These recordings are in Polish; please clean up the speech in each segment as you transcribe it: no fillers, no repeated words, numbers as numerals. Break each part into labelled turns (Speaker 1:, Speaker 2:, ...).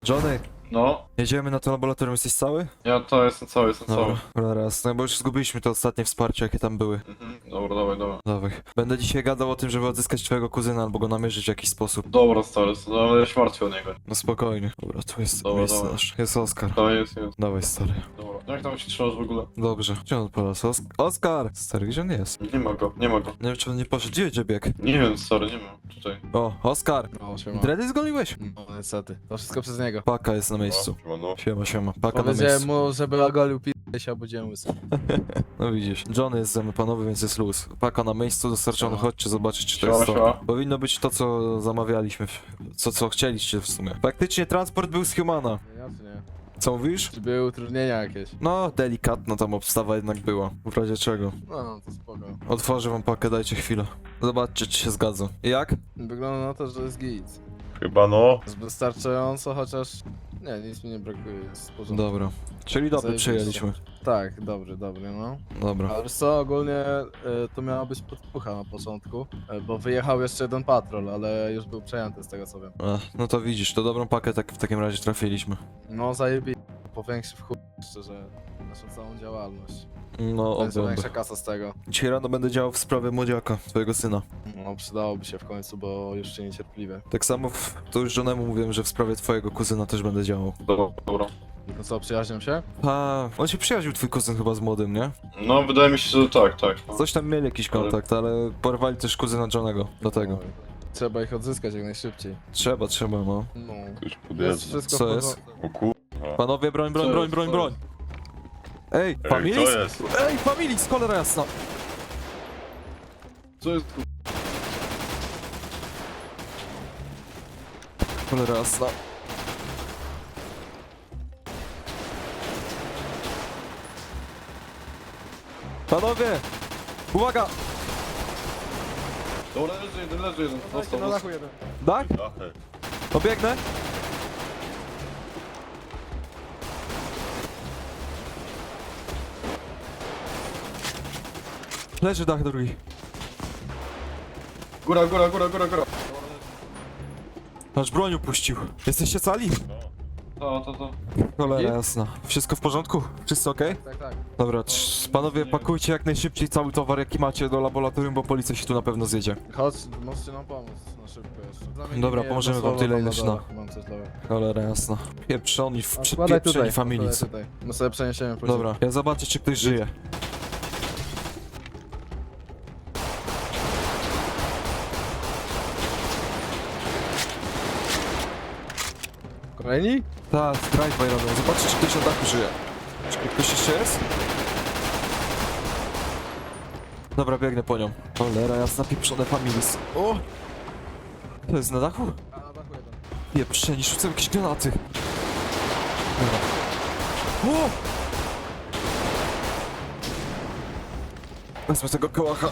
Speaker 1: Johnny,
Speaker 2: No,
Speaker 1: jedziemy na to laboratorium, jesteś cały?
Speaker 2: ja to jestem cały,
Speaker 1: Dobra, raz, no bo już zgubiliśmy to ostatnie wsparcie, jakie tam były.
Speaker 2: Dobra, dawaj, dawaj.
Speaker 1: Dawaj. Będę dzisiaj gadał o tym, żeby odzyskać twojego kuzyna albo go namierzyć w jakiś sposób.
Speaker 2: Dobra, stary, no, ale ja się martwię o niego.
Speaker 1: No spokojnie. Dobra, tu jest
Speaker 2: Dobra,
Speaker 1: miejsce
Speaker 2: dobra.
Speaker 1: nasze. Jest Oskar.
Speaker 2: To jest.
Speaker 1: Dawaj, stary.
Speaker 2: Dobra, jak tam się trzymasz w ogóle?
Speaker 1: Dobrze. Gdzie on polas? Oskar! Stary, gdzie on jest?
Speaker 2: Nie ma go, nie ma go.
Speaker 1: Nie wiem, czy on nie poszedł. Gdzie biegł?
Speaker 2: Nie wiem, stary, nie ma. Tutaj.
Speaker 1: O, Oskar!
Speaker 3: No, siema.
Speaker 1: Dredy zgoliłeś?
Speaker 3: No, niestety. To wszystko przez niego.
Speaker 1: Paka jest na miejscu.
Speaker 2: No.
Speaker 1: Siema. Paka na
Speaker 3: Powiedziałem
Speaker 1: miejscu.
Speaker 3: mu, żeby ogolił p***e się obudziłem łysy.
Speaker 1: No widzisz. Johnny jest ze mną panowy, więc jest luz. Paka na miejscu dostarczony.
Speaker 3: Siema.
Speaker 1: Chodźcie zobaczyć, czy to
Speaker 2: Siema,
Speaker 1: jest to.
Speaker 2: siema.
Speaker 1: Powinno być to, co zamawialiśmy. Co chcieliście w sumie. Faktycznie transport był z Humana.
Speaker 3: Ja czy nie?
Speaker 1: Co mówisz?
Speaker 3: Czy były utrudnienia jakieś?
Speaker 1: No, delikatna tam obstawa jednak była. W razie czego.
Speaker 3: No, to spoko.
Speaker 1: Otworzę wam pakę, dajcie chwilę. Zobaczcie, czy się zgadza. Jak?
Speaker 3: Wygląda na to, że jest git.
Speaker 2: Chyba no.
Speaker 3: Jest wystarczająco, chociaż... Nie, nic mi nie brakuje, jest w porządku.
Speaker 1: Dobra. Czyli dobry
Speaker 3: Zajebiście.
Speaker 1: przyjęliśmy.
Speaker 3: Tak, dobry, no.
Speaker 1: Dobra.
Speaker 3: Ale wiesz co, ogólnie to miała być podpucha na początku, bo wyjechał jeszcze jeden patrol, ale już był przejęty z tego co wiem.
Speaker 1: No to widzisz, to dobrą pakę tak w takim razie trafiliśmy.
Speaker 3: No zajebiście, powiększy w chuj, szczerze, naszą całą działalność.
Speaker 1: No,
Speaker 3: Będzie
Speaker 1: ogląda.
Speaker 3: większa kasa z tego.
Speaker 1: Dzisiaj rano będę działał w sprawie młodziaka, twojego syna.
Speaker 3: No przydałoby się w końcu, bo już się niecierpliwie.
Speaker 1: Tak samo, to już Johnemu mówiłem, że w sprawie twojego kuzyna też będę działał.
Speaker 2: Dobra.
Speaker 3: No co, przyjaźnią się?
Speaker 1: A, on się przyjaźnił, twój kuzyn chyba z młodym, nie?
Speaker 2: No, wydaje mi się, że tak. No.
Speaker 1: Coś tam mieli jakiś kontakt, ale porwali też kuzyna Johnego do tego.
Speaker 3: Oj, trzeba ich odzyskać jak najszybciej.
Speaker 1: Trzeba, no.
Speaker 3: No.
Speaker 2: Już
Speaker 3: Jest wszystko
Speaker 1: Co
Speaker 3: w
Speaker 1: jest?
Speaker 3: porządku.
Speaker 2: O kur...
Speaker 1: Panowie, broń.
Speaker 2: Co jest?
Speaker 1: Ej, Familis?
Speaker 2: jest?
Speaker 1: Ej, Familis, cholera jasna!
Speaker 2: Co jest kur...
Speaker 1: Cholera jasna. Panowie! Uwaga!
Speaker 2: Dobra, leży jeden. Dostał.
Speaker 3: jeden.
Speaker 1: Tak? Obiegnę? Leży dach drugi.
Speaker 2: Góra.
Speaker 1: Nasz broń upuścił. Jesteście cali?
Speaker 2: To.
Speaker 1: Cholera
Speaker 3: Git?
Speaker 1: jasna. Wszystko w porządku? Wszyscy okej?
Speaker 3: Tak.
Speaker 1: Dobra, panowie, pakujcie jak najszybciej cały towar jaki macie do laboratorium, bo policja się tu na pewno zjedzie.
Speaker 3: Chodź, możecie nam pomóc na szybko jeszcze. Zamienimy
Speaker 1: Dobra,
Speaker 3: jedno
Speaker 1: pomożemy wam
Speaker 3: słowo
Speaker 1: tyle,
Speaker 3: tam
Speaker 1: ile
Speaker 3: na
Speaker 1: się
Speaker 3: dole. Mam coś dla was.
Speaker 1: Cholera jasna. Pieprzoni,
Speaker 3: A,
Speaker 1: pieprzeni familicy.
Speaker 3: tutaj. My sobie przeniesiemy później.
Speaker 1: Dobra, ja zobaczę czy ktoś żyje.
Speaker 3: Kolejni?
Speaker 1: Tak, drive-by robią. Zobaczcie czy ktoś na dachu żyje. Czy ktoś jeszcze jest? Dobra, biegnę po nią. Cholera jasna, pieprzone familis. O! To jest na dachu?
Speaker 3: A na dachu jeden.
Speaker 1: Pieprzeni, rzucę jakieś granaty. Dobra. O! Wezmę tego kołacha.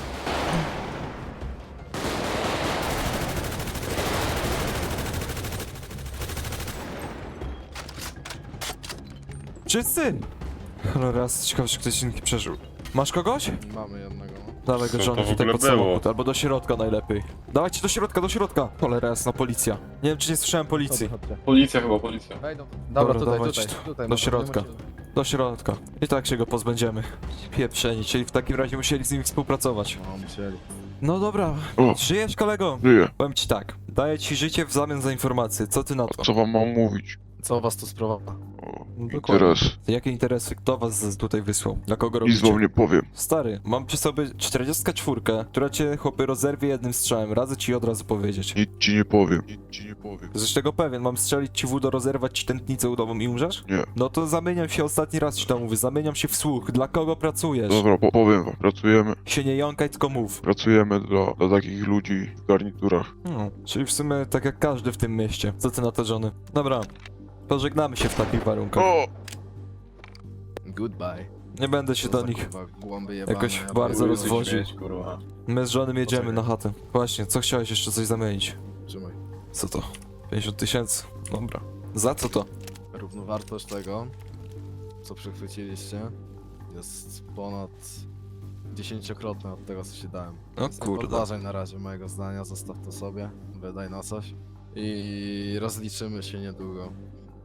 Speaker 1: Wszyscy! Cholera, ciekawe, czy ktoś inny przeżył. Masz kogoś?
Speaker 3: Mamy jednego, no.
Speaker 1: Dawaj go,
Speaker 2: Co to
Speaker 1: Johnny,
Speaker 2: w
Speaker 1: tutaj
Speaker 2: ogóle
Speaker 1: pod
Speaker 2: było?
Speaker 1: samochód, albo do środka najlepiej. Dawajcie do środka! Cholera jasna, policja. Nie wiem, czy nie słyszałem policji.
Speaker 3: Chodźcie.
Speaker 2: Policja chyba, policja.
Speaker 3: Wejdą. Dobra,
Speaker 1: dawajcie
Speaker 3: tutaj.
Speaker 1: do
Speaker 3: no,
Speaker 1: środka.
Speaker 3: nie musicie-
Speaker 1: Do środka. I tak się go pozbędziemy. Pieprzeni, czyli w takim razie musieli z nimi współpracować.
Speaker 3: No, musieli.
Speaker 1: No dobra,
Speaker 4: O.
Speaker 1: żyjesz kolego?
Speaker 4: Żyję.
Speaker 1: Powiem ci tak, daję ci życie w zamian za informacje, co ty na to?
Speaker 4: Co wam mam mówić?
Speaker 3: Co was tu sprowadza?
Speaker 4: O,
Speaker 1: Dokładnie.
Speaker 4: interes.
Speaker 1: Jakie interesy, kto was tutaj wysłał? Dla kogo
Speaker 4: Nic
Speaker 1: robicie?
Speaker 4: wam nie powiem.
Speaker 1: Stary, mam przy sobie 44, która cię chłopy rozerwie jednym strzałem, radzę ci od razu powiedzieć.
Speaker 4: Nic ci nie powiem. Nic ci nie powiem.
Speaker 1: Jesteś tego pewien, mam strzelić ci w udo, rozerwać ci tętnicę udową i umrzesz?
Speaker 4: Nie.
Speaker 1: No to zamieniam się, ostatni raz ci to mówię, zamieniam się w słuch, dla kogo pracujesz?
Speaker 4: Dobra, powiem wam.
Speaker 1: Się nie jąkaj, tylko mów.
Speaker 4: Pracujemy dla takich ludzi w garniturach.
Speaker 1: Czyli w sumie tak jak każdy w tym mieście. Co ty na to, Johnny? Dobra, pożegnamy się w takich warunkach.
Speaker 4: O!
Speaker 3: Goodbye.
Speaker 1: Nie będę się do nich
Speaker 3: Głąby jebane,
Speaker 1: jakoś
Speaker 3: ja
Speaker 1: bardzo
Speaker 3: pierdolę.
Speaker 1: rozwodził.
Speaker 2: Kurwa.
Speaker 1: My z żonym jedziemy
Speaker 3: Poczekaj.
Speaker 1: na chatę. Właśnie, co chciałeś jeszcze coś zamienić?
Speaker 3: Trzymaj.
Speaker 1: Co to? 50 000? Dobra. Za co to?
Speaker 3: Równowartość tego, co przechwyciliście, jest ponad 10-krotna od tego, co ci dałem.
Speaker 1: O
Speaker 3: Więc nie
Speaker 1: kurde.
Speaker 3: podważaj na razie mojego zdania, zostaw to sobie, wydaj na coś i rozliczymy się niedługo.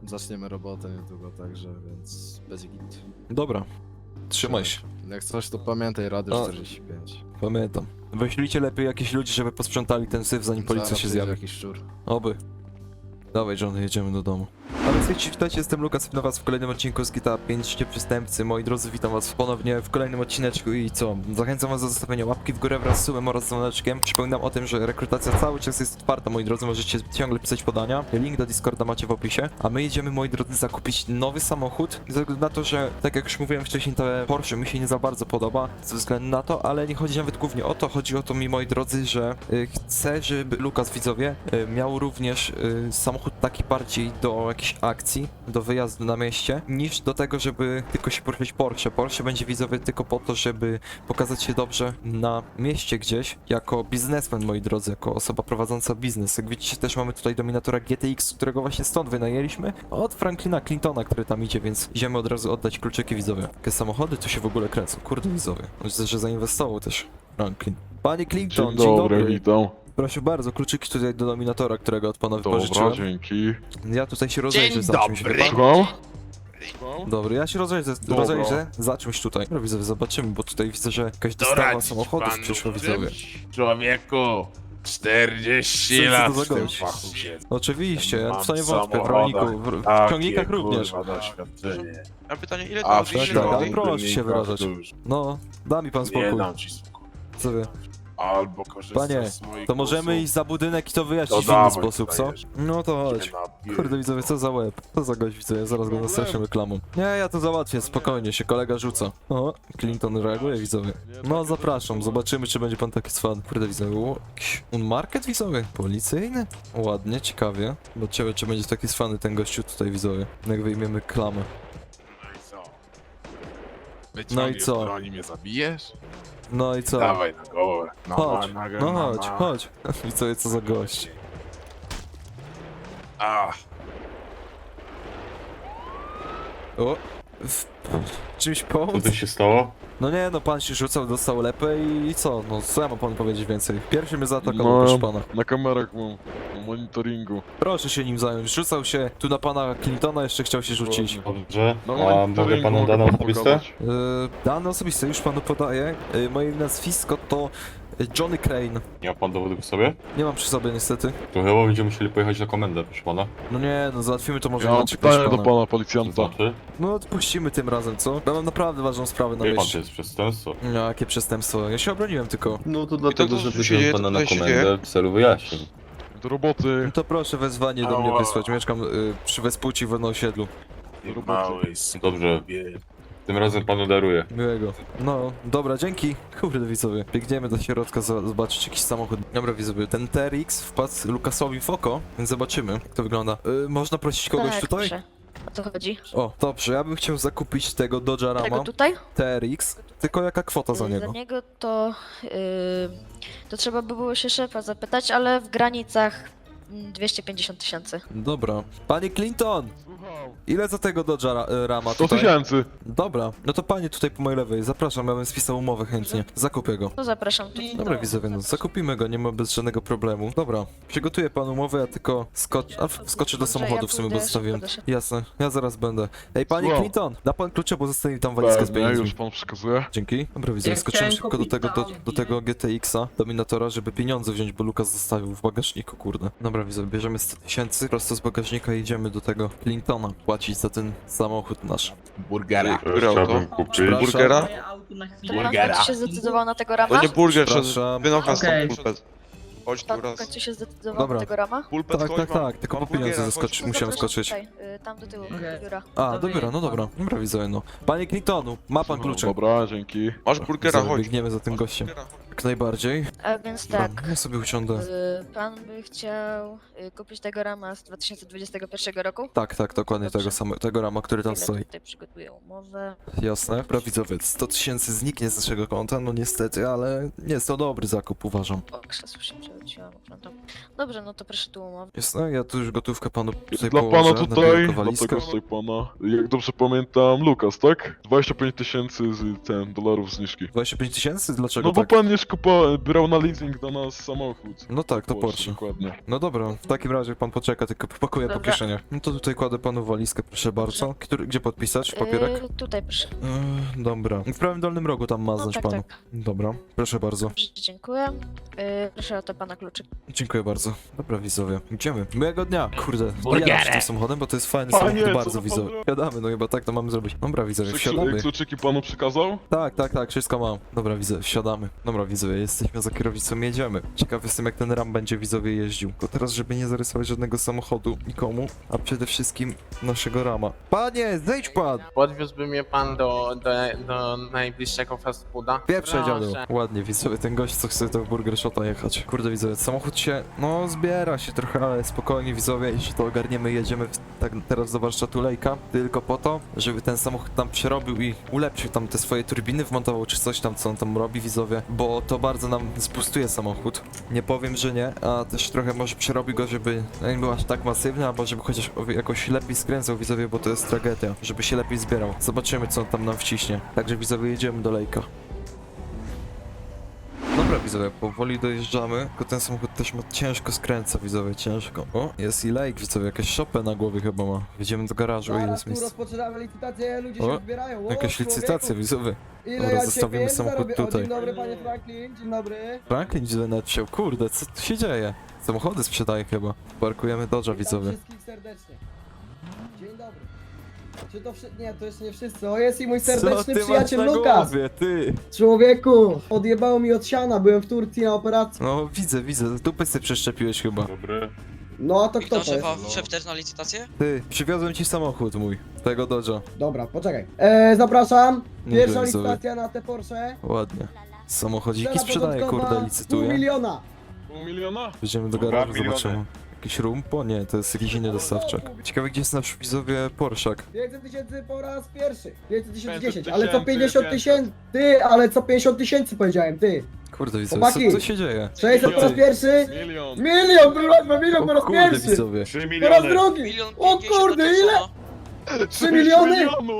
Speaker 3: zaczniemy robotę niedługo, także, więc będzie git.
Speaker 1: Dobra. Trzymaj się.
Speaker 3: Jak coś, to pamiętaj, Radio
Speaker 1: O.
Speaker 3: 45.
Speaker 1: Pamiętam. Wyślijcie lepiej jakieś ludzi, żeby posprzątali ten syf, zanim policja
Speaker 3: Zaraz
Speaker 1: się
Speaker 3: przyjdzie
Speaker 1: zjawi.
Speaker 3: jakiś szczur.
Speaker 1: Oby. Dawaj, Johnny, jedziemy do domu. Ale słuchajcie, witajcie, jestem Lukas, witam was w kolejnym odcinku z GTA 5 Przestępcy. Moi drodzy, witam was ponownie w kolejnym odcineczku i co? Zachęcam was do zostawienia łapki w górę wraz z subem oraz dzwoneczkiem. Przypominam o tym, że rekrutacja cały czas jest otwarta, moi drodzy, możecie ciągle pisać podania. Link do Discorda macie w opisie. A my jedziemy, moi drodzy, zakupić nowy samochód. Ze względu na to, że, tak jak już mówiłem wcześniej, te Porsche mi się nie za bardzo podoba, ze względu na to, ale nie chodzi nawet głównie o to, chodzi o to mi, moi drodzy, że chcę, żeby Lukas, widzowie, miał również samochód taki bardziej do jakiejś akcji, do wyjazdu na mieście, niż do tego, żeby tylko się poruszyć Porsche. Porsche będzie, widzowie, tylko po to, żeby pokazać się dobrze na mieście gdzieś, jako biznesmen, moi drodzy, jako osoba prowadząca biznes. Jak widzicie, też mamy tutaj Dominatora GTX, którego właśnie stąd wynajęliśmy, od Franklina Clintona, który tam idzie, więc idziemy od razu oddać kluczyki, widzowie. Jakie samochody tu się w ogóle kręcą, kurde, widzowie. Myślę, że zainwestował też Franklin. Panie Clinton,
Speaker 4: Dzień dobry, witam.
Speaker 1: Proszę bardzo, kluczyki tutaj do Dominatora, którego od pana
Speaker 4: Dobra,
Speaker 1: wypożyczyłem.
Speaker 4: dzięki.
Speaker 1: Ja tutaj się rozejrzę za czymś, wie pan?
Speaker 4: Słucham?
Speaker 1: Dobry, ja się
Speaker 4: Dobra.
Speaker 1: rozejrzę za czymś tutaj. No widzowie, zobaczymy, bo tutaj widzę, że jakaś dostawa
Speaker 5: Doradzić
Speaker 1: samochodów
Speaker 5: panu
Speaker 1: przyszła,
Speaker 5: czymś?
Speaker 1: widzowie.
Speaker 5: Człowieku, 40
Speaker 1: Co
Speaker 5: lat
Speaker 1: to za
Speaker 5: w tym
Speaker 1: gość?
Speaker 5: fachu się.
Speaker 1: Oczywiście, ja
Speaker 5: Mam
Speaker 1: w to nie wątpię, w
Speaker 5: samochodach
Speaker 1: rolniku, w
Speaker 5: takie,
Speaker 1: ciągnikach również.
Speaker 5: kurwa, doświadczenie.
Speaker 6: A pytanie, ile
Speaker 5: A
Speaker 6: to
Speaker 5: w
Speaker 6: ile
Speaker 1: tak,
Speaker 6: to
Speaker 1: ale
Speaker 6: robi?
Speaker 1: proszę się wyrażać. No, da mi pan
Speaker 5: Nie
Speaker 1: spokój,
Speaker 5: dam ci spokój.
Speaker 1: co wie.
Speaker 5: Albo korzystasz
Speaker 1: Panie,
Speaker 5: z moich
Speaker 1: To możemy
Speaker 5: głosów,
Speaker 1: iść za budynek i to
Speaker 5: to
Speaker 1: wyjaśnić w inny
Speaker 5: dawaj
Speaker 1: sposób,
Speaker 5: tutaj
Speaker 1: co?
Speaker 5: jeszcze.
Speaker 1: No to chodź.
Speaker 5: Się napierdol.
Speaker 1: Kurde, widzowie, co za łeb? Co za gość, widzowie, zaraz go nastraszymy reklamą. Nie, ja to załatwię, spokojnie, się kolega rzuca. O, Clinton reaguje, widzowie. No, zapraszam, zobaczymy, czy będzie pan taki fan. Kurde, widzowie, o, jakiś unmarket, widzowie? Policyjny? Ładnie, ciekawie. Zobaczymy, czy będzie taki zwany ten gościu tutaj, widzowie. Jak wyjmiemy klamę.
Speaker 5: No i co?
Speaker 1: No i co?
Speaker 5: Broni mnie zabijesz?
Speaker 1: No i co?
Speaker 5: Dawaj na głowę. No,
Speaker 1: Chodź,
Speaker 5: na, na,
Speaker 1: no
Speaker 5: na,
Speaker 1: chodź,
Speaker 5: na.
Speaker 1: chodź. Widzowie, co za gość.
Speaker 5: A,
Speaker 1: O, czymś pomóc?
Speaker 2: Co tu się stało?
Speaker 1: No nie, no pan się rzucał, dostał lepę i co? No co ja mam panu powiedzieć więcej? Pierwszy mnie zaatakował,
Speaker 4: No.
Speaker 1: proszę pana.
Speaker 4: Na kamerach mam, na monitoringu.
Speaker 1: Proszę się nim zająć. Rzucał się tu na pana Clintona, jeszcze chciał się rzucić.
Speaker 2: Dobrze.
Speaker 4: Na
Speaker 2: A mogę
Speaker 4: monitoringu
Speaker 2: panu
Speaker 4: mogę
Speaker 2: dane
Speaker 4: panu
Speaker 2: osobiste?
Speaker 4: pokazać.
Speaker 1: Dane osobiste już panu podaję. Moje nazwisko to Johnny Crane.
Speaker 2: Nie ma pan dowodów w sobie?
Speaker 1: Nie mam przy sobie niestety.
Speaker 2: To chyba będziemy musieli pojechać na komendę, proszę pana.
Speaker 1: No nie, no załatwimy to może
Speaker 4: Ja mam
Speaker 1: inaczej, proszę
Speaker 4: pytanie do
Speaker 1: pana.
Speaker 4: pana
Speaker 2: To
Speaker 4: policjanta.
Speaker 2: znaczy?
Speaker 1: No odpuścimy tym razem, co? Ja mam naprawdę ważną sprawę na
Speaker 2: Wie pan, to
Speaker 1: myśli.
Speaker 2: jest przestępstwo.
Speaker 1: No, jakie przestępstwo? Ja się obroniłem tylko.
Speaker 2: No to
Speaker 6: dlatego, że wziąłem pana na
Speaker 2: komendę w celu wyjaśnień.
Speaker 4: Do roboty.
Speaker 1: No to proszę wezwanie do mnie
Speaker 5: Ała.
Speaker 1: wysłać. Mieszkam przy Wespuci w osiedlu.
Speaker 5: ty mały
Speaker 2: Dobrze.
Speaker 5: skubie.
Speaker 2: Tym razem panu daruję.
Speaker 1: Miłego. No, dobra, dzięki. Kurde, widzowie. Biegniemy do środka zobaczyć jakiś samochód. Dobra, widzowie, ten TRX wpadł Lukasowi w oko, więc zobaczymy, jak to wygląda. Można prosić kogoś
Speaker 7: tak,
Speaker 1: tutaj?
Speaker 7: Proszę. O co chodzi?
Speaker 1: O, dobrze, ja bym chciał zakupić tego Dodge'a
Speaker 7: Tego
Speaker 1: Rama
Speaker 7: tutaj?
Speaker 1: TRX, tylko jaka kwota za niego?
Speaker 7: Za niego to trzeba by było się szefa zapytać, ale w granicach 250 000.
Speaker 1: Dobra. Panie Clinton! Ile za tego Dodge'a Rama
Speaker 4: 100
Speaker 1: tutaj?
Speaker 4: tysięcy.
Speaker 1: Dobra, no to panie tutaj po mojej lewej, zapraszam, ja bym spisał umowę chętnie. Zakupię go.
Speaker 7: To zapraszam tu.
Speaker 1: Dobra, widzowie, no zakupimy go, nie ma bez żadnego problemu. Dobra, przygotuję panu umowę, ja tylko wskoczę do
Speaker 7: Dobrze,
Speaker 1: samochodu
Speaker 7: ja
Speaker 1: w sumie, bo
Speaker 7: pójdę
Speaker 1: zostawiłem.
Speaker 7: szybko
Speaker 1: Jasne, ja zaraz będę. Ej, panie
Speaker 4: Słucham.
Speaker 1: Clinton, da pan klucze, bo zostawił tam walizkę z
Speaker 4: Pewnie,
Speaker 1: pieniędzmi.
Speaker 4: już pan przekazuje.
Speaker 1: Dzięki. Dobra, widzowie, skoczyłem szybko do tego GTX-a, Dominatora, żeby pieniądze wziąć, bo Lukas zostawił w bagażniku, kurde. Dobra, widzowie, bierzemy 100 tysięcy, prosto z bagażnika i idziemy do tego Clintona płacić za ten samochód nasz.
Speaker 5: Burgera.
Speaker 6: Które auto?
Speaker 2: Chciałbym kupić.
Speaker 1: Przepraszam.
Speaker 6: Burgera?
Speaker 7: To pan w
Speaker 5: Burgera.
Speaker 7: końcu się zdecydował na tego
Speaker 6: To
Speaker 7: rama?
Speaker 6: nie burger,
Speaker 1: Przepraszam.
Speaker 6: szedł. Wynocha
Speaker 8: Okej.
Speaker 6: stąd pulpet. Chodź tu
Speaker 7: Pan w
Speaker 6: raz.
Speaker 7: końcu się zdecydował
Speaker 1: Dobra.
Speaker 7: na tego rama?
Speaker 6: Pulpet,
Speaker 1: Tak,
Speaker 6: chodź,
Speaker 1: tak,
Speaker 6: mam-
Speaker 1: tak, tylko
Speaker 6: mam
Speaker 1: po pieniądze
Speaker 6: burgera,
Speaker 1: zaskoczy-
Speaker 6: chodź.
Speaker 1: musiałem
Speaker 7: Zapraszam
Speaker 1: skoczyć.
Speaker 7: Tutaj, tam do tyłu,
Speaker 8: Okej.
Speaker 7: biura.
Speaker 1: A, do biura, no dobra. Dobra, widzowie, no. Panie Clintonu, ma pan klucze.
Speaker 4: Dobra, dzięki.
Speaker 6: Masz burgera,
Speaker 1: Widzowie,
Speaker 6: chodź.
Speaker 1: biegniemy za tym
Speaker 6: Masz
Speaker 1: gościem.
Speaker 6: burgera, chodź.
Speaker 1: Jak najbardziej.
Speaker 7: A więc
Speaker 1: Dobra,
Speaker 7: tak.
Speaker 1: ja sobie usiądę.
Speaker 7: Pan by chciał kupić tego rama z 2021 roku?
Speaker 1: Tak, dokładnie
Speaker 7: Dobrze.
Speaker 1: tego rama, który tam
Speaker 7: Chwilę,
Speaker 1: stoi.
Speaker 7: tutaj przygotuję umowę.
Speaker 1: Jasne. Dobra, widzowie, 100 tysięcy zniknie z naszego konta, no niestety, ale jest to dobry zakup, uważam.
Speaker 7: O, krzesło się przewróciłam. Pamiętam. Dobrze, no to proszę tu umowę.
Speaker 1: Jasne, ja tu już gotówkę panu tutaj
Speaker 4: Dla
Speaker 1: położę
Speaker 4: pana
Speaker 1: na
Speaker 4: tutaj,
Speaker 1: wielką
Speaker 4: dla
Speaker 1: walizkę.
Speaker 4: tego tutaj pana, jak dobrze pamiętam, Lukas, tak? 25 tysięcy z ten dolarów zniżki.
Speaker 1: 25 tysięcy? Dlaczego
Speaker 4: No bo
Speaker 1: tak?
Speaker 4: pan nie też brał na leasing do nas samochód.
Speaker 1: No tak, to Porsche.
Speaker 4: Dokładnie.
Speaker 1: No dobra, w takim razie pan poczeka, tylko popakuję po
Speaker 7: Dobra.
Speaker 1: kieszeniach. No to tutaj kładę panu walizkę, proszę bardzo. Gdzie podpisać? Papierek?
Speaker 7: Tutaj proszę.
Speaker 1: Dobra. W prawym dolnym rogu tam
Speaker 7: No
Speaker 1: maznąć
Speaker 7: tak,
Speaker 1: panu.
Speaker 7: tak.
Speaker 1: Dobra, proszę bardzo.
Speaker 7: Dobrze, dziękuję. Proszę o to pana kluczyk.
Speaker 1: Dziękuję bardzo. Dobra, widzowie. Idziemy. Miłego dnia. Kurde,
Speaker 5: Burgerę.
Speaker 1: jadę tym samochodem, bo to jest fajny
Speaker 4: Panie,
Speaker 1: samochód,
Speaker 4: co
Speaker 1: bardzo
Speaker 4: to
Speaker 1: widzowie.
Speaker 4: pan
Speaker 1: Wsiadamy, no chyba tak to mamy zrobić. Dobra, widzowie, wsiadamy.
Speaker 4: Kluczyki panu przekazał?
Speaker 1: Tak, wszystko mam. Dobra, widzowie, wsiadamy. Dobra, widzowie, jesteśmy za kierownicą, jedziemy. Ciekawy jestem, jak ten Ram będzie widzowie jeździł. Tylko teraz, żeby nie zarysować żadnego samochodu nikomu, a przede wszystkim naszego Rama. Panie, zejdź pan!
Speaker 5: Podwiózłby mnie pan do najbliższego fast fooda?
Speaker 1: Pierwsze dziadu.
Speaker 5: Proszę.
Speaker 1: Ładnie, widzowie, ten gość, co chce to w Burger Shota jechać. Kurde, widzowie, samochód się, no, zbiera się trochę, ale spokojnie, widzowie, jeśli to ogarniemy, jedziemy tak teraz do warsztatu Lejka, tylko po to, żeby ten samochód tam przerobił i ulepszył tam te swoje turbiny, wmontował czy coś tam, co on tam robi, widzowie, bo to bardzo nam spustuje samochód. Nie powiem, że nie, a też trochę może przerobi go, żeby nie był aż tak masywny, albo żeby chociaż jakoś lepiej skręcał, widzowie, bo to jest tragedia, żeby się lepiej zbierał. Zobaczymy, co on tam nam wciśnie. Także, widzowie, jedziemy do Lejka. Dobra, widzowie, powoli dojeżdżamy, tylko ten samochód też ma ciężko skręca, widzowie, ciężko. O, jest i Lake, widzowie, jakieś szopę na głowie chyba ma. Wjedziemy do garażu, ile
Speaker 8: Zaraz
Speaker 1: jest
Speaker 8: tu
Speaker 1: miejsca.
Speaker 8: rozpoczynamy licytację, ludzie
Speaker 1: O,
Speaker 8: się zbierają. O,
Speaker 1: Jakaś
Speaker 8: człowieku,
Speaker 1: licytacja, widzowie.
Speaker 8: Ile
Speaker 1: Dobra,
Speaker 8: ja dzisiaj
Speaker 1: zostawimy
Speaker 8: pieniędzy
Speaker 1: samochód
Speaker 8: zarobię? O,
Speaker 1: tutaj.
Speaker 8: dzień dobry, panie Franklin, dzień dobry.
Speaker 1: Franklin źle nawet wsiął, kurde, co tu się dzieje? Samochody sprzedaje chyba. Parkujemy Dodge'a,
Speaker 8: Witam
Speaker 1: widzowie.
Speaker 8: wszystkich serdecznie. Dzień dobry. Czy to Nie, to jeszcze nie wszyscy. O, jest i mój serdeczny
Speaker 1: Co ty
Speaker 8: przyjaciel
Speaker 1: masz na
Speaker 8: Lukas.
Speaker 1: głowie, ty?
Speaker 8: Człowieku, odjebało mi od siana, byłem w Turcji na operacji.
Speaker 1: No, widzę, dupę sobie przeszczepiłeś chyba.
Speaker 2: Dobry.
Speaker 8: No, a to kto to
Speaker 9: Wiktor,
Speaker 8: jest?
Speaker 9: szef też na licytację?
Speaker 1: Ty, przywiozłem ci samochód mój, tego Dodge'a.
Speaker 8: Dobra, poczekaj. Zapraszam.
Speaker 1: Nie
Speaker 8: Pierwsza
Speaker 1: wiem, widzowie.
Speaker 8: licytacja na te Porsche.
Speaker 1: Ładnie. Samochodziki
Speaker 8: Cena
Speaker 1: sprzedaje,
Speaker 8: początkowa
Speaker 1: kurde,
Speaker 8: $500
Speaker 1: licytuje.
Speaker 8: 000.
Speaker 4: Pół miliona?
Speaker 1: Wjedziemy do
Speaker 2: 2
Speaker 1: garażu,
Speaker 2: miliony.
Speaker 1: zobaczymy. Jakiś rumpo? Nie, to jest jakiś inny dostawczak. Ciekawe, gdzie jest nasz widzowie Porszak.
Speaker 8: 500 tysięcy po raz pierwszy. 500 tysięcy
Speaker 4: 500
Speaker 8: 10, ale co 50
Speaker 4: 500.
Speaker 8: tysięcy? Ty, ale co 50 tysięcy powiedziałem, ty.
Speaker 1: Kurde, widzowie,
Speaker 8: Chłopaki.
Speaker 1: co się dzieje?
Speaker 8: 600 po raz
Speaker 1: Ty.
Speaker 8: pierwszy.
Speaker 4: Milion.
Speaker 8: Milion po raz
Speaker 1: kurde,
Speaker 8: pierwszy.
Speaker 1: widzowie.
Speaker 2: 3
Speaker 8: Po raz
Speaker 2: miliony!
Speaker 8: drugi.
Speaker 9: Milion
Speaker 8: O
Speaker 9: 50
Speaker 8: kurde,
Speaker 9: tysięcy,
Speaker 8: ile?
Speaker 9: no.
Speaker 8: 3 miliony?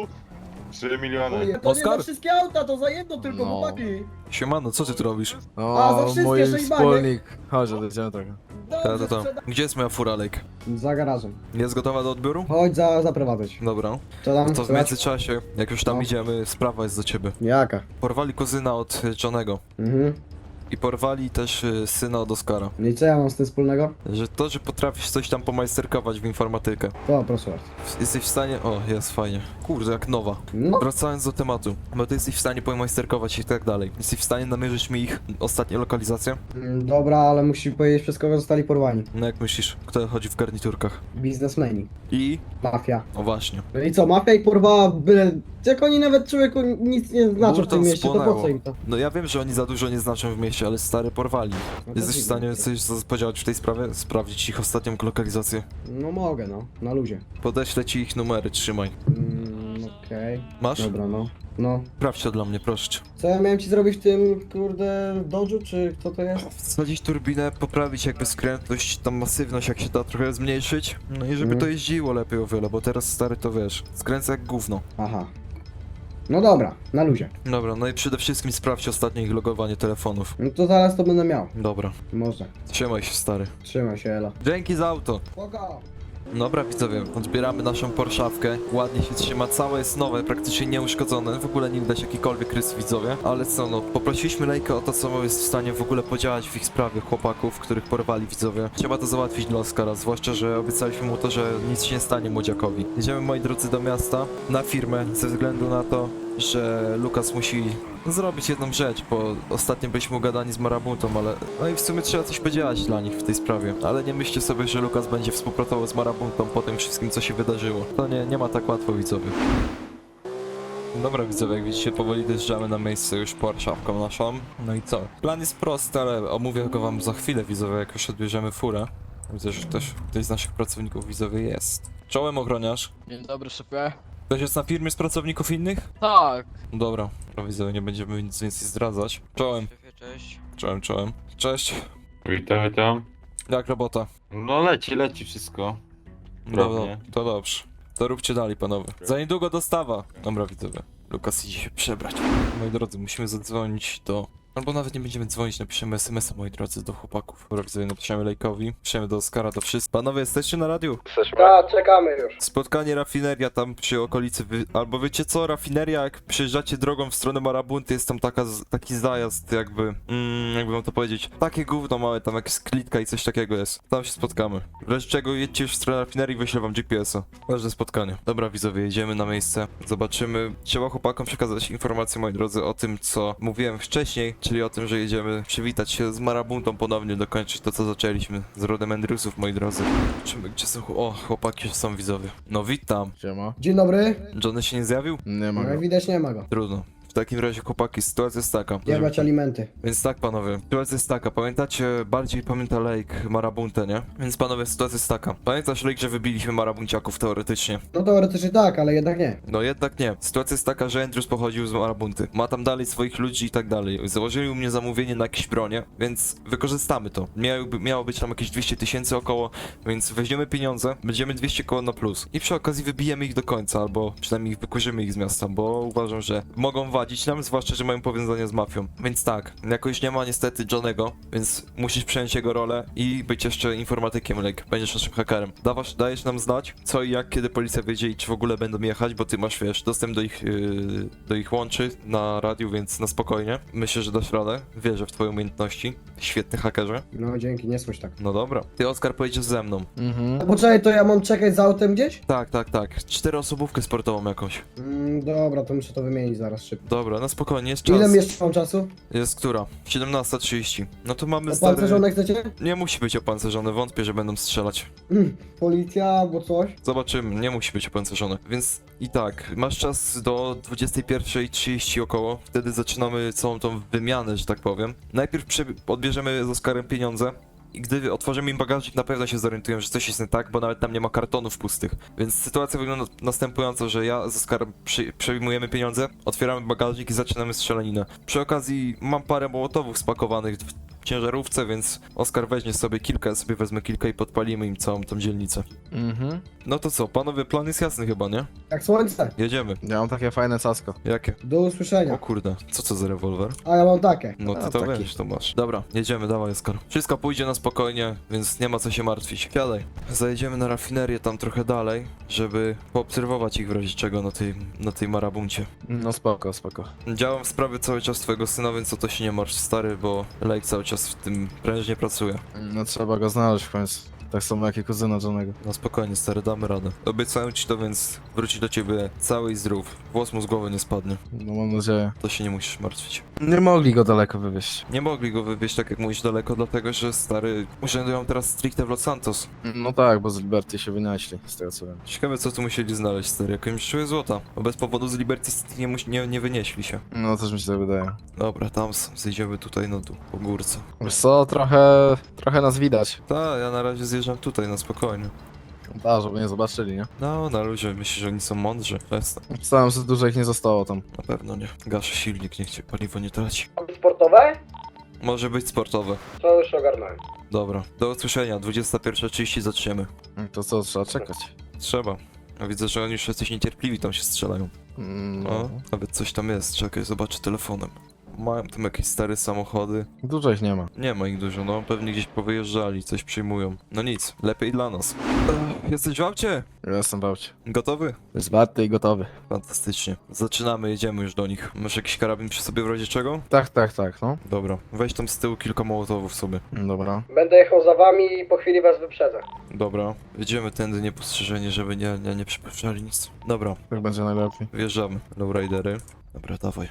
Speaker 2: 3 miliony.
Speaker 8: Ojej, to nie
Speaker 1: Oskar?
Speaker 8: za wszystkie auta, to za jedno tylko,
Speaker 3: No.
Speaker 8: chłopaki.
Speaker 1: Siemano, co ty tu robisz?
Speaker 8: A, za
Speaker 3: O,
Speaker 8: wszystkie
Speaker 3: mój
Speaker 8: sześć
Speaker 3: wspólnik. Chodź, odejdziemy trochę.
Speaker 8: Dobrze,
Speaker 1: To.
Speaker 8: sprzeda-
Speaker 1: Gdzie jest moja fura, Lake?
Speaker 8: Za garażem.
Speaker 1: Jest gotowa do odbioru?
Speaker 8: Chodź zaprowadzać.
Speaker 1: Dobra.
Speaker 8: Co tam?
Speaker 1: No to w
Speaker 8: Słychać?
Speaker 1: międzyczasie, jak już tam
Speaker 8: No.
Speaker 1: idziemy, sprawa jest do ciebie.
Speaker 8: Jaka?
Speaker 1: Porwali kuzyna od Johnego.
Speaker 8: Mhm.
Speaker 1: I porwali też syna od Oskara.
Speaker 8: No i co ja mam z tym wspólnego?
Speaker 1: Że potrafisz coś tam pomajsterkować w informatykę.
Speaker 8: O, proszę bardzo.
Speaker 1: Jesteś w stanie... O, jest fajnie. Kurde, jak nowa.
Speaker 8: No,
Speaker 1: Wracając do tematu, bo ty jesteś w stanie pomajsterkować i tak dalej. Jesteś w stanie namierzyć mi ich ostatnie lokalizacje?
Speaker 8: dobra, ale musi powiedzieć przez kogo zostali porwani.
Speaker 1: No jak myślisz, kto chodzi w garniturkach?
Speaker 8: Biznesmeni.
Speaker 1: I...
Speaker 8: Mafia.
Speaker 1: O właśnie.
Speaker 8: No i co, mafia ich porwała byle... Jak oni nawet człowieku nic nie znaczą w
Speaker 1: Burton
Speaker 8: tym mieście, to po
Speaker 1: spłonęło.
Speaker 8: co im to?
Speaker 1: No ja wiem, że oni za dużo nie znaczą w mieście, ale stary porwali.
Speaker 8: No to
Speaker 1: Jesteś w
Speaker 8: dziwne.
Speaker 1: stanie coś podziałać w tej sprawie? Sprawdzić ich ostatnią lokalizację?
Speaker 8: No mogę, no. Na luzie.
Speaker 1: Podeślę ci ich numery, trzymaj.
Speaker 8: Okej.
Speaker 1: Masz?
Speaker 8: Dobra, no. No.
Speaker 1: Sprawdź to dla mnie, proszę cię.
Speaker 8: Co ja miałem ci zrobić w tym, kurde, dodżu, czy co to jest?
Speaker 1: Wsadzić turbinę, poprawić jakby skrętność, tam masywność jak się da trochę zmniejszyć. No i żeby
Speaker 8: Mhm.
Speaker 1: to jeździło lepiej o wiele, bo teraz stary to wiesz, skręca jak gówno.
Speaker 8: Aha. No dobra, na luzie.
Speaker 1: Dobra, no i przede wszystkim sprawdź ostatnie ich logowanie telefonów.
Speaker 8: No to zaraz to będę miał.
Speaker 1: Dobra,
Speaker 8: Może.
Speaker 1: trzymaj się stary.
Speaker 8: Trzymaj się, Ela.
Speaker 1: Dzięki za auto.
Speaker 8: Spoko.
Speaker 1: Dobra widzowie, odbieramy naszą Porszawkę. Ładnie się trzyma, całe jest nowe, praktycznie nieuszkodzone. W ogóle nie widać jakikolwiek rys widzowie. Ale co no, poprosiliśmy Lejka o to, co jest w stanie w ogóle podziałać w ich sprawie chłopaków, których porwali widzowie. Trzeba to załatwić dla Oskara, zwłaszcza, że obiecaliśmy mu to, że nic się nie stanie młodziakowi. Jedziemy moi drodzy do miasta, na firmę, ze względu na to, że Lukas musi zrobić jedną rzecz, bo ostatnio byliśmy ugadani z Marabutą, ale... No i w sumie trzeba coś podziałać dla nich w tej sprawie. Ale nie myślcie sobie, że Lukas będzie współpracował z Marabutą po tym wszystkim, co się wydarzyło. To nie ma tak łatwo, widzowie. Dobra widzowie, jak widzicie, powoli dojeżdżamy na miejsce już Porszawką naszą. No i co? Plan jest prosty, ale omówię go wam za chwilę, widzowie, jak już odbierzemy furę. Widzę, że też ktoś z naszych pracowników widzowie jest. Czołem ochroniarz.
Speaker 3: Dzień dobry, szefie.
Speaker 1: Ktoś jest na firmie z pracowników innych?
Speaker 3: Tak.
Speaker 1: Dobra, widzowie, nie będziemy nic więcej zdradzać. Czołem,
Speaker 9: Szefie, cześć.
Speaker 1: czołem. Cześć.
Speaker 2: Witam.
Speaker 1: Jak robota?
Speaker 2: No leci wszystko.
Speaker 1: Dobra,
Speaker 2: Prawnie.
Speaker 1: to dobrze. To róbcie dalej, panowie. Za niedługo dostawa. Dobra, widzowie. Lukas idzie się przebrać. Moi drodzy, musimy zadzwonić do Albo nawet nie będziemy dzwonić, napiszemy SMS-a, moi drodzy, do chłopaków. Sobie napiszemy Lejkowi, piszemy do Oskara, do wszystkich. Panowie, jesteście na radiu?
Speaker 8: Tak, czekamy już.
Speaker 1: Spotkanie rafineria tam przy okolicy, albo wiecie co, rafineria, jak przyjeżdżacie drogą w stronę Marabunty, jest tam taki zajazd jakby, jakby wam to powiedzieć, takie gówno małe, tam jakaś klitka i coś takiego jest. Tam się spotkamy. W razie czego jedźcie już w stronę rafinerii, wyślę wam GPS-a. Ważne spotkanie. Dobra widzowie, jedziemy na miejsce, zobaczymy. Trzeba chłopakom przekazać informacje, moi drodzy, o tym, co mówiłem wcześniej, czyli o tym, że jedziemy przywitać się z Marabuntą ponownie, dokończyć to, co zaczęliśmy z rodem Andrewsów, moi drodzy. Zobaczymy, gdzie są... O, chłopaki są widzowie. No witam.
Speaker 3: Siema.
Speaker 8: Dzień dobry.
Speaker 1: Johnny się nie zjawił?
Speaker 3: Nie ma
Speaker 8: No,
Speaker 3: go.
Speaker 8: widać nie ma go.
Speaker 1: Trudno. W takim razie, chłopaki, sytuacja jest taka.
Speaker 8: Jebać alimenty.
Speaker 1: Więc tak, panowie, sytuacja jest taka. Pamiętacie, bardziej pamięta Lake Marabuntę, nie? Więc panowie, sytuacja jest taka. Pamiętasz, Lake, że wybiliśmy Marabunciaków teoretycznie?
Speaker 8: No teoretycznie tak, ale jednak nie.
Speaker 1: No jednak nie. Sytuacja jest taka, że Andrews pochodził z Marabunty. Ma tam dalej swoich ludzi i tak dalej. Założyli u mnie zamówienie na jakieś bronie, więc wykorzystamy to. Miało być tam jakieś 200 000 około, więc weźmiemy pieniądze, będziemy 200 koło na plus. I przy okazji wybijemy ich do końca, albo przynajmniej wykurzymy ich z miasta, bo uważam, że mogą wadzić nam, zwłaszcza, że mają powiązania z mafią. Więc tak, jakoś nie ma niestety Johnego, więc musisz przejąć jego rolę i być jeszcze informatykiem, Lake. Będziesz naszym hakerem. Dajesz nam znać, co i jak, kiedy policja wiedzie i czy w ogóle będą jechać, bo ty masz, wiesz, dostęp do ich łączy na radiu, więc na spokojnie. Myślę, że dasz radę. Wierzę w twoje umiejętności. Świetny hakerze.
Speaker 8: No dzięki, nie słysz tak.
Speaker 1: No dobra. Ty, Oskar, pojedziesz ze mną.
Speaker 3: Mhm.
Speaker 8: Poczekaj, to ja mam czekać za autem gdzieś?
Speaker 1: Tak. 4-osobówkę sportową jakąś.
Speaker 8: Dobra, to muszę to wymienić zaraz szybko.
Speaker 1: Dobra, na spokojnie, jest czas.
Speaker 8: Ile jeszcze mam czasu?
Speaker 1: Jest która? 17:30. No to mamy stary...
Speaker 8: Opancerzone chcecie?
Speaker 1: Nie musi być opancerzone, wątpię, że będą strzelać.
Speaker 8: Policja albo coś?
Speaker 1: Zobaczymy, nie musi być opancerzone. Więc i tak, masz czas do 21:30 około. Wtedy zaczynamy całą tą wymianę, że tak powiem. Najpierw odbierzemy z Oskarem pieniądze. I gdy otworzymy im bagażnik, na pewno się zorientują, że coś jest nie tak, bo nawet tam nie ma kartonów pustych. Więc sytuacja wygląda następująco, że ja z Oskarem przejmujemy pieniądze, otwieramy bagażnik i zaczynamy strzelaninę. Przy okazji mam parę mołotowów spakowanych w ciężarówce, więc Oskar weźmie sobie kilka, ja sobie wezmę kilka i podpalimy im całą tą dzielnicę.
Speaker 3: Mhm.
Speaker 1: No to co, panowie, plan jest jasny chyba, nie?
Speaker 8: Jak słońce.
Speaker 1: Jedziemy.
Speaker 3: Ja mam takie fajne casko.
Speaker 1: Jakie?
Speaker 8: Do
Speaker 1: O
Speaker 8: usłyszenia.
Speaker 1: kurde, co to za rewolwer?
Speaker 8: A ja mam takie.
Speaker 1: No ty
Speaker 3: A,
Speaker 1: to
Speaker 3: taki.
Speaker 1: wiesz, to masz. Dobra, jedziemy, dawaj Oskar. Wszystko pójdzie na spokojnie, więc nie ma co się martwić. Siadaj. Zajedziemy na rafinerię tam trochę dalej, żeby poobserwować ich w razie czego na tej Marabuncie.
Speaker 3: No spoko.
Speaker 1: Działam w sprawie cały czas twojego syna, więc o to się nie martw, stary, bo Lake cały czas w tym prężnie pracuje.
Speaker 3: No trzeba go znaleźć w końcu. Tak samo jak i kuzyna Johnego.
Speaker 1: No spokojnie, stary, damy radę. Obiecałem ci to, więc wróci do ciebie cały i zdrów. Włos mu z głowy nie spadnie.
Speaker 3: No mam nadzieję.
Speaker 1: To się nie musisz martwić.
Speaker 3: Nie mogli go daleko wywieźć.
Speaker 1: Nie mogli go wywieźć, tak jak mówisz, daleko, dlatego że stary urzędują teraz stricte w Los Santos.
Speaker 3: No tak, bo z Liberty się wynieśli, z tego co wiem.
Speaker 1: Ciekawe, co tu musieli znaleźć, stary, jakąś czuję złota. Bo bez powodu z Liberty City nie wynieśli się.
Speaker 3: No też mi się tak wydaje.
Speaker 1: Dobra, tam zejdziemy tutaj na dół, po górce.
Speaker 3: Wiesz co, trochę nas widać.
Speaker 1: Tak, ja na razie zjeżdżam tutaj, na spokojnie.
Speaker 3: Da, żeby nie zobaczyli, nie?
Speaker 1: No, na luzie, myślisz, że oni są mądrzy? Przestań.
Speaker 3: Wstałem, że dużo ich nie zostało tam.
Speaker 1: Na pewno nie. Gaszę silnik, niech cię paliwo nie traci.
Speaker 8: Sportowe?
Speaker 1: Może być sportowe.
Speaker 8: To już ogarnąłem.
Speaker 1: Dobra, do usłyszenia, 21:30 zaczniemy.
Speaker 3: To co, trzeba czekać.
Speaker 1: Trzeba. A widzę, że oni już jesteś niecierpliwi, tam się strzelają.
Speaker 3: No.
Speaker 1: O, nawet coś tam jest, czekaj, zobaczę telefonem. Mają tam jakieś stare samochody.
Speaker 3: Dużo ich nie ma.
Speaker 1: Nie ma ich dużo, no pewnie gdzieś powyjeżdżali, coś przyjmują. No nic, lepiej dla nas. Jesteś w aucie?
Speaker 3: Ja jestem w aucie.
Speaker 1: Gotowy?
Speaker 3: Zwarty i gotowy.
Speaker 1: Fantastycznie. Zaczynamy, jedziemy już do nich. Masz jakiś karabin przy sobie w razie czego?
Speaker 3: Tak, no.
Speaker 1: Dobra, weź tam z tyłu kilka mołotowów sobie.
Speaker 3: Dobra.
Speaker 8: Będę jechał za wami i po chwili was wyprzedzę.
Speaker 1: Dobra, jedziemy tędy niepostrzeżenie, żeby nie przypuszczali nic. Dobra,
Speaker 3: Tak będzie najlepiej.
Speaker 1: wjeżdżamy. Lowridery. Dobra, dawaj.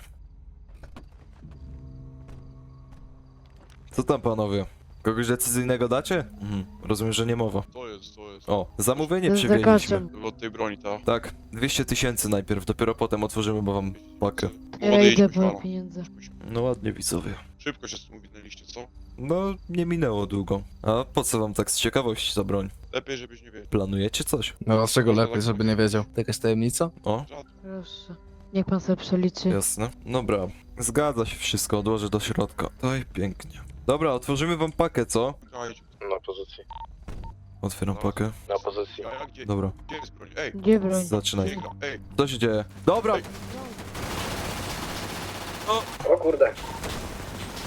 Speaker 1: Co tam panowie? Kogoś decyzyjnego dacie? Rozumiem, że nie mowa.
Speaker 4: To jest.
Speaker 1: O, zamówienie
Speaker 7: Z
Speaker 1: przywieźliśmy.
Speaker 7: zakaczem.
Speaker 4: Od tej broni, ta.
Speaker 1: Tak, 200 000 najpierw, dopiero potem otworzymy, bo wam pakę.
Speaker 7: Ja idę po pieniądze.
Speaker 1: No ładnie widzowie.
Speaker 4: Szybko się z tym uwinęliście, co?
Speaker 1: No, nie minęło długo. A po co wam tak z ciekawości za broń?
Speaker 4: Lepiej, żebyś nie wiedział.
Speaker 1: Planujecie coś?
Speaker 3: No dlaczego lepiej, żeby nie wiedział? To jakaś tajemnica?
Speaker 1: O,
Speaker 7: Proszę. Niech pan sobie przeliczy.
Speaker 1: jasne. Dobra, zgadza się wszystko, odłożę do środka. Oj, pięknie. Dobra, otworzymy wam pakę, co?
Speaker 4: Czekajcie.
Speaker 3: Na pozycji.
Speaker 1: Otwieram pakę.
Speaker 3: Na pozycji.
Speaker 4: A gdzie?
Speaker 1: Dobra,
Speaker 4: Gdzie jest broń? Ej!
Speaker 7: Gdzie broń?
Speaker 1: zaczynaj.
Speaker 4: Sięga, ej!
Speaker 1: Co się dzieje? Dobra!
Speaker 8: O kurde.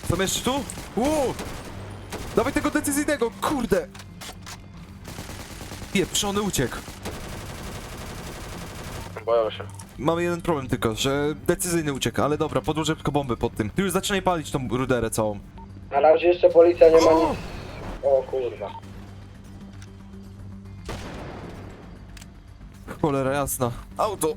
Speaker 1: Są jeszcze tu? Dawaj tego decyzyjnego, kurde! Pieprzony uciekł.
Speaker 5: Boją się.
Speaker 1: Mamy jeden problem tylko, że decyzyjny uciekł, ale dobra, podłożę tylko bomby pod tym. Ty już zaczynaj palić tą ruderę całą.
Speaker 8: Na razie jeszcze policja nie ma nic. O kurwa.
Speaker 1: Cholera jasna. Auto!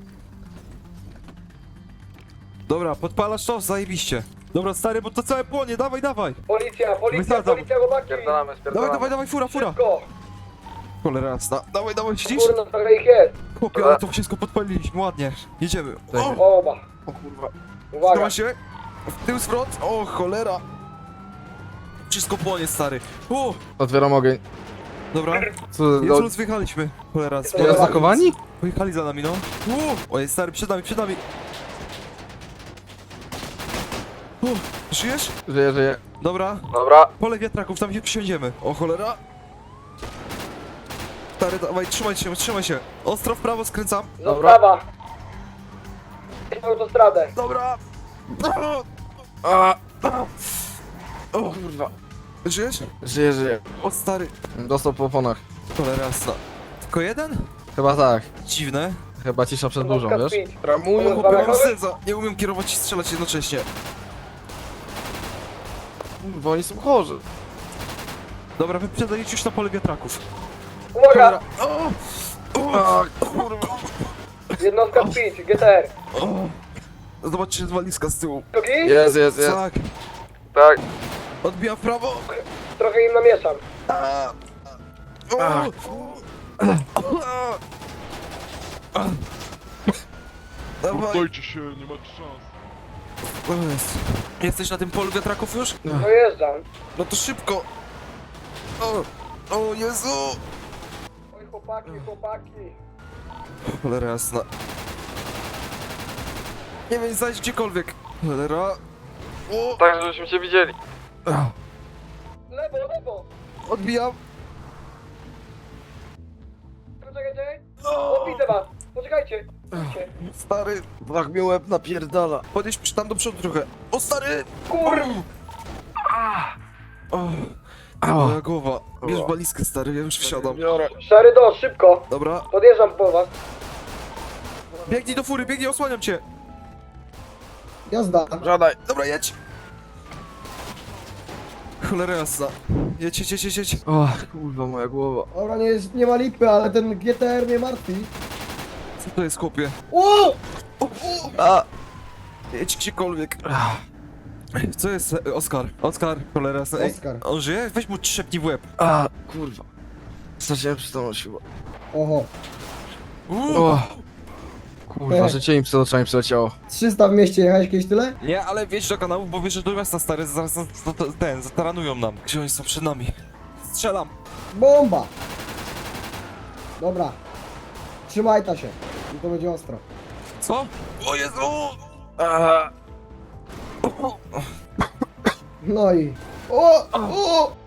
Speaker 1: Dobra, podpalasz to? Zajebiście. Dobra, stary, bo to całe płonie, dawaj, dawaj!
Speaker 8: Policja,
Speaker 1: Wysadzam.
Speaker 8: chłopaki!
Speaker 5: Spierdalamy, spierdalamy.
Speaker 1: Dawaj, fura!
Speaker 8: Szybko!
Speaker 1: Cholera jasna. Dawaj, siedzisz?
Speaker 8: Kurno, trochę ich jest.
Speaker 1: Chłopie, ale to wszystko podpaliliśmy, ładnie. Jedziemy.
Speaker 8: Oba.
Speaker 5: O kurwa.
Speaker 8: Uwaga.
Speaker 1: Trzyma się. W tył zwrot. O, cholera. Wszystko płonie, stary.
Speaker 3: Otwieram ogień.
Speaker 1: Dobra.
Speaker 3: Co,
Speaker 1: Jest luz, wyjechaliśmy. Cholera,
Speaker 8: Jest
Speaker 3: zakowani?
Speaker 1: pojechali za nami, no. Oj, stary, przed nami. Żyjesz?
Speaker 3: Żyję.
Speaker 1: Dobra.
Speaker 3: Dobra.
Speaker 1: Pole wiatraków, tam się przysiądziemy. O, cholera. Stary, dawaj, trzymaj się. Ostro w prawo skręcam.
Speaker 8: Zostawa. Autostradę.
Speaker 1: Dobra.
Speaker 3: O kurwa.
Speaker 1: Żyjesz?
Speaker 3: Żyję.
Speaker 1: O, stary.
Speaker 3: Dostał po oponach.
Speaker 1: Cholera jasna. Tylko jeden?
Speaker 3: Chyba tak.
Speaker 1: Dziwne.
Speaker 3: Chyba cisza przed burzą, wiesz?
Speaker 1: Ramuję,
Speaker 8: chłopie, mam
Speaker 1: serca. Nie umiem kierować i strzelać jednocześnie.
Speaker 3: Kurwa, oni są chorzy.
Speaker 1: Dobra, wyprzedajcie już na pole wiatraków.
Speaker 8: Uwaga!
Speaker 1: Kurwa.
Speaker 8: Jednostka speed, GTR.
Speaker 1: Zobaczcie, walizka z tyłu.
Speaker 8: Drugi?
Speaker 3: Jest.
Speaker 1: Tak.
Speaker 3: Tak.
Speaker 1: Odbijam w prawo.
Speaker 8: Trochę im namieszam.
Speaker 1: Dawaj.
Speaker 4: Dajcie się, nie macie szans.
Speaker 1: Jesteś na tym polu wiatraków już?
Speaker 8: Dojeżdżam.
Speaker 1: No to szybko. O Jezu.
Speaker 8: Oj chłopaki.
Speaker 1: Cholera jasna. Nie wiem, zajść gdziekolwiek. Cholera.
Speaker 3: Tak, żebyśmy cię widzieli.
Speaker 8: Lewo.
Speaker 1: Odbijam.
Speaker 8: Poczekajcie. O, widzę was. Poczekajcie.
Speaker 1: Stary.
Speaker 3: Tak mi łeb napierdala.
Speaker 1: Podjedź tam do przodu trochę. O, stary.
Speaker 8: Kurwa.
Speaker 1: Moja głowa. Bierz walizkę, stary, ja już wsiadam.
Speaker 3: Biorę.
Speaker 8: Szary do, szybko.
Speaker 1: Dobra.
Speaker 8: Podjeżdżam po was.
Speaker 1: Biegnij do fury, biegnij, osłaniam cię.
Speaker 8: Jazda.
Speaker 3: Żadaj.
Speaker 1: Dobra, jedź. Cholera jasna. Jedź.
Speaker 3: O, kurwa, moja głowa.
Speaker 8: Dobra, nie ma lipy, ale ten GTR mnie martwi.
Speaker 1: Co to jest, chłopie?
Speaker 8: O!
Speaker 1: Jedź gdziekolwiek. Co jest, Oskar? Oskar, cholera jasna. Ej,
Speaker 8: Oskar.
Speaker 1: on żyje? Weź mu trzepnij w łeb.
Speaker 3: Kurwa. Straciłem przytomność chyba.
Speaker 8: Oho.
Speaker 3: O. Kurwa, życie im przed oczami przeleciało.
Speaker 8: 300 w mieście, jechałeś kiedyś tyle?
Speaker 1: Nie, ale wjedź do kanału, bo wiesz, że do miasta, stary, zaraz zataranują nam. Gdzie oni są przed nami? Strzelam.
Speaker 8: Bomba! Dobra. Trzymaj ta się. I to będzie ostro.
Speaker 1: Co? O Jezu!
Speaker 8: No i... O!